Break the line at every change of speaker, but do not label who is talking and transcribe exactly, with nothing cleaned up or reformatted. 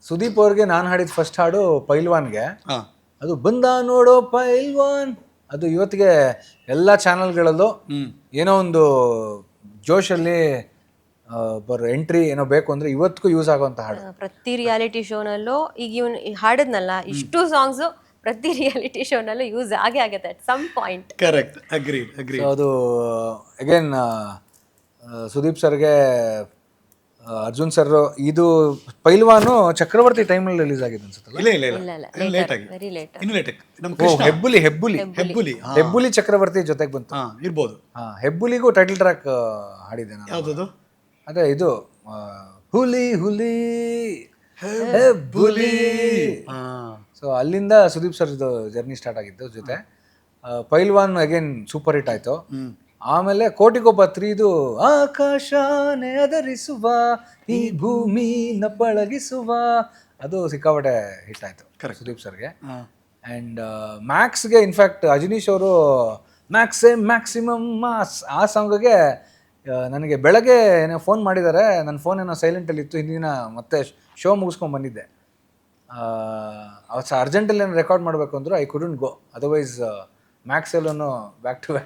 ಸುದೀಪ್ ಅವ್ರಿಗೆ ನಾನು ಹಾಡಿದ ಫಸ್ಟ್ ಹಾಡು ಪೈಲ್ವಾನ್ಗೆ.
ಹಾ
ಅದು ಬಂದ ನೋಡೋ ಪೈಲ್ವಾನ್, ಅದು ಇವತ್ತಿಗೆ ಎಲ್ಲ ಚಾನಲ್ಗಳಲ್ಲೂ
ಹ್ಮ್
ಏನೋ ಒಂದು ಜೋಶಲ್ಲಿ ಬರೋ ಎಂಟ್ರಿ ಏನೋ ಬೇಕು ಅಂದ್ರೆ ಇವತ್ತಿಗೂ ಯೂಸ್ ಆಗುವಂತ ಹಾಡು.
ಆ, ಪ್ರತಿ ರಿಯಾಲಿಟಿ ಶೋನಲ್ಲೂ ಈಗ ಇವನು ಹಾಡದ್ನಲ್ಲ ಇಷ್ಟು ಸಾಂಗ್ಸು ಪ್ರತಿ ರಿಯಾಲಿಟಿ ಶೋನಲ್ಲೂ ಯೂಸ್ ಆಗೇ ಆಗತ್ತೆ at some point.
Correct agree agree
so ಅದು ಅಗೇನ್ ಸುದೀಪ್ ಸರ್ಗೆ, ಅರ್ಜುನ್ ಸರ್, ಇದು ಪೈಲ್ವಾನು ಚಕ್ರವರ್ತಿ ಟೈಮಲ್ಲಿ ರಿಲೀಸ್ ಆಗಿದೆ ಅನ್ಸುತ್ತಲ್ಲ.
ಇಲ್ಲ ಇಲ್ಲ
ಇಲ್ಲ
ಇಲ್ಲ
ಇಲ್ಲ
ಲೇಟ್ ಆಗಿ
ವೆರಿ ಲೇಟ್.
ಇನ್ನು ಲೇಟ್ ಆಗಿ ನಮ್ಮ
ಓ,
ಕೃಷ್ಣ
ಹೆಬ್ಬುಲಿ ಹೆಬ್ಬುಲಿ
ಹೆಬ್ಬುಲಿ ಹಾ
ಹೆಬ್ಬುಲಿ ಚಕ್ರವರ್ತಿ ಜೊತೆಗೆ ಬಂತು.
ಹಾ ಇರ್ಬೋದು.
ಹಾ, ಹೆಬ್ಬುಲಿಗೂ ಟೈಟಲ್ ಟ್ರ್ಯಾಕ್ ಹಾಡಿದ್ದೆ ನಾನು.
ಯಾವ್ದದು?
ಅದೇ ಇದು ಆ, ಹುಲಿ ಹುಲಿ ಹೆಬ್ಬುಲಿ.
ಹಾ
ಸೊ ಅಲ್ಲಿಂದ ಸುದೀಪ್ ಸರ್ ಜರ್ನಿ ಸ್ಟಾರ್ಟ್ ಆಗಿದ್ದು ಜೊತೆ. ಆ, ಪೈಲ್ವಾನ್ ಅಗೇನ್ ಸೂಪರ್ ಹಿಟ್ ಆಯ್ತು.
ಹ್ಮ್
ಆಮೇಲೆ ಕೋಟಿಗೊಬ್ಬ ತ್ರೀದು ಆಕಾಶನೇ ಅದರಿಸುವ ಈ ಭೂಮಿನ ಪಳಗಿಸುವ, ಅದು ಸಿಕ್ಕಾಪಟ್ಟೆ ಹಿಟ್ ಆಯ್ತು ಸುದೀಪ್ ಸರ್ಗೆ.
ಹಾ
ಆ್ಯಂಡ್ ಮ್ಯಾಕ್ಸ್ಗೆ ಇನ್ಫ್ಯಾಕ್ಟ್ ಅಜನೀಶ್ ಅವರು ಮ್ಯಾಕ್ಸೇ ಮ್ಯಾಕ್ಸಿಮಮ್ ಮಾಸ್ ಆ ಸಾಂಗ್ಗೆ ನನಗೆ ಬೆಳಗ್ಗೆ ಏನೋ ಫೋನ್ ಮಾಡಿದ್ದಾರೆ. ನನ್ನ ಫೋನ್ ಏನೋ ಸೈಲೆಂಟಲ್ಲಿ ಇತ್ತು, ಹಿಂದಿನ ಮತ್ತೆ ಶೋ ಮುಗಿಸ್ಕೊಂಡು ಬಂದಿದ್ದೆ. ಅವತ್ತು ಅರ್ಜೆಂಟಲ್ಲಿ ಏನೋ ರೆಕಾರ್ಡ್ ಮಾಡಬೇಕು ಅಂದರು, ಐ ಕುಡಂಟ್ ಗೋ, ಅದರ್ವೈಸ್ ಮ್ಯಾಕ್ಸೆಲ್ಲೂ ಬ್ಯಾಕ್ ಟು ಬ್ಯಾಕ್